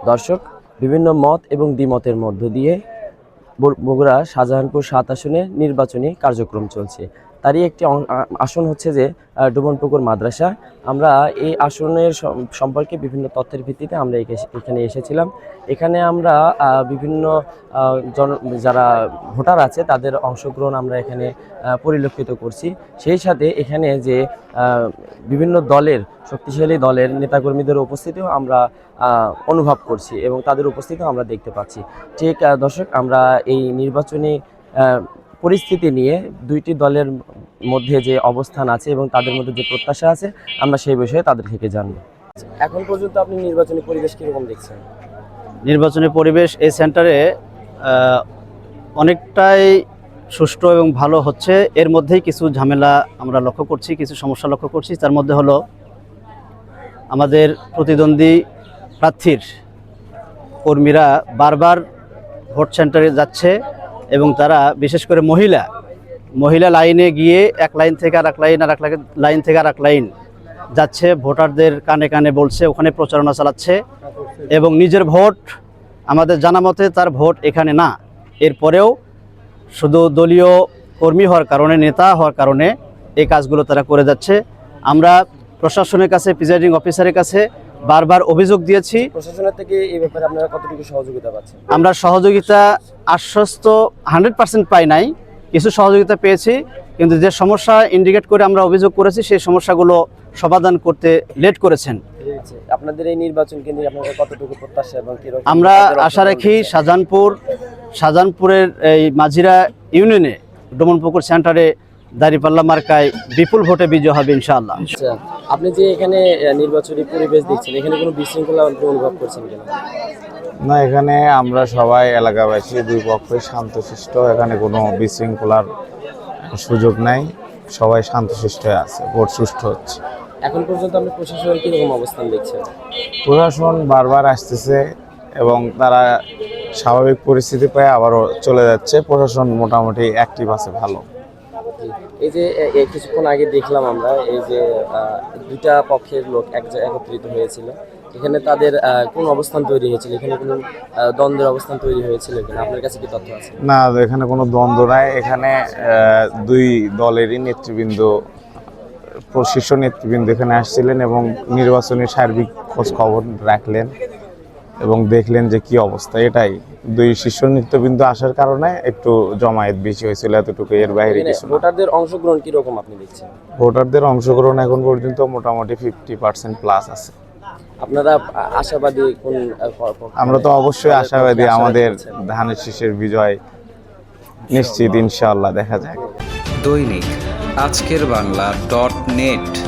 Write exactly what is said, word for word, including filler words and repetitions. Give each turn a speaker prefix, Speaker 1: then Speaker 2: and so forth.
Speaker 1: দর্শক, বিভিন্ন মত এবং দ্বিমতের মধ্য দিয়ে বগুড়া শাহজাহানপুর সাত আসনে নির্বাচনী কার্যক্রম চলছে। তারই একটি আসন হচ্ছে যে ডুবনপুকুর মাদ্রাসা। আমরা এই আসনের সম্পর্কে বিভিন্ন তথ্যের ভিত্তিতে আমরা এখানে এসেছিলাম। এখানে আমরা বিভিন্ন জন যারা ভোটার আছে তাদের অংশগ্রহণ আমরা এখানে পরিলক্ষিত করছি। সেই সাথে এখানে যে বিভিন্ন দলের শক্তিশালী দলের নেতাকর্মীদের উপস্থিতিও আমরা অনুভব করছি এবং তাদের উপস্থিতিও আমরা দেখতে পাচ্ছি। ঠিক দর্শক, আমরা এই নির্বাচনী পরিস্থিতি নিয়ে দুইটি দলের মধ্যে যে অবস্থান আছে এবং তাদের মধ্যে যে প্রত্যাশা আছে আমরা সেই বিষয়ে তাদের থেকে জানব। এখন পর্যন্ত আপনি নির্বাচনী পরিবেশ কীরকম দেখছেন?
Speaker 2: নির্বাচনী পরিবেশ এই সেন্টারে অনেকটাই সুষ্ঠু এবং ভালো হচ্ছে। এর মধ্যেই কিছু ঝামেলা আমরা লক্ষ্য করছি, কিছু সমস্যা লক্ষ্য করছি। তার মধ্যে হলো আমাদের প্রতিদ্বন্দ্বী প্রার্থীর কর্মীরা বারবার ভোট সেন্টারে যাচ্ছে এবং তারা বিশেষ করে মহিলা মহিলা লাইনে গিয়ে এক লাইন থেকে আর এক লাইন আর এক লাইন থেকে আর এক লাইন যাচ্ছে, ভোটারদের কানে কানে বলছে, ওখানে প্রচারণা চালাচ্ছে এবং নিজের ভোট আমাদের জানা মতে তার ভোট এখানে না। এরপরেও শুধু দলীয় কর্মী হওয়ার কারণে, নেতা হওয়ার কারণে এই কাজগুলো তারা করে যাচ্ছে। আমরা প্রশাসনের কাছে, প্রিজাইডিং অফিসারের কাছে বারবার অভিযোগ দিয়েছি।
Speaker 1: প্রশাসনের থেকে এই ব্যাপারে আপনারা কতটুকু সহযোগিতা পাচ্ছেন?
Speaker 2: আমরা সহযোগিতা আশ্বস্ত হান্ড্রেড পার্সেন্ট পাই নাই, কিছু সহযোগিতা পেয়েছি, কিন্তু যে সমস্যা ইন্ডিকেট করে আমরা অভিযোগ করেছি সেই সমস্যাগুলো সমাধান করতে লেট করেছেন।
Speaker 1: আপনাদের এই নির্বাচন কেন্দ্রে আপনাদের কতটুকু প্রত্যাশা এবং কি রকম?
Speaker 2: আমরা আশা রাখি শাহজাহানপুর শাহজাহানপুরের এই মাঝিরা ইউনিয়নে ডুবনপুকুর সেন্টারে দাঁড়িপাল্লা মার্কায় বিপুল ভোটে বিজয় হবে ইনশাআল্লাহ।
Speaker 1: আচ্ছা, আপনি যে এখানে নির্বাচনী পরিবেশ দেখছেন, এখানে কোনো বিশৃঙ্খলা অনুভব করছেন কিনা?
Speaker 3: না, এখানে আমরা সবাই এলাকাবাসী দুই পক্ষই শান্তশিষ্ট, এখানে কোনো বিশৃঙ্খলার সুযোগ নাই, সবাই শান্তশিষ্ট হয়ে আছে, ভোট সুষ্ঠু হচ্ছে।
Speaker 1: এখন পর্যন্ত আপনি প্রশাসনের কীরকম অবস্থান দেখছেন?
Speaker 3: প্রশাসন বারবার আসতেছে এবং তারা স্বাভাবিক পরিস্থিতি পেয়ে আবারও চলে যাচ্ছে। প্রশাসন মোটামুটি অ্যাক্টিভ আছে, ভালো।
Speaker 1: এই যে কিছুক্ষণ আগে দেখলাম আমরা এই যে দুইটা পক্ষের লোক এক জায়গায় একত্রিত হয়েছিল, এখানে তাদের কোন অবস্থান তৈরি হয়েছিল? এখানে কোনো দ্বন্দ্বের অবস্থান তৈরি হয়েছিল কিনা? আপনার কাছে কি তথ্য আছে?
Speaker 3: না, এখানে কোনো দ্বন্দ্ব নাই। এখানে দুই দলেরই নেতৃবৃন্দ, শীর্ষ নেতৃবৃন্দ এখানে আসছিলেন এবং নির্বাচনী সার্বিক খোঁজ খবর রাখলেন এবং দেখলেন যে কি অবস্থা। এটাই, দুই শীর্ষ নেতৃবৃন্দ আসার কারণে একটু জমায়েত বেশি হয়েছিল, এতটুকু, এর বাইরে কিছু না।
Speaker 1: ভোটারদের অংশগ্রহণ কিরকম আপনি দেখছেন?
Speaker 3: ভোটারদের অংশগ্রহণ এখন পর্যন্ত মোটামুটি ফিফটি পার্সেন্ট প্লাস আছে।
Speaker 1: আপনারা আশাবাদী কোন?
Speaker 3: আমরা তো অবশ্যই আশাবাদী, আমাদের ধানের শীষের বিজয় নিশ্চিত, ইনশাআল্লাহ। দেখা যাক।
Speaker 4: দৈনিক আজকের বাংলা ডট নেট।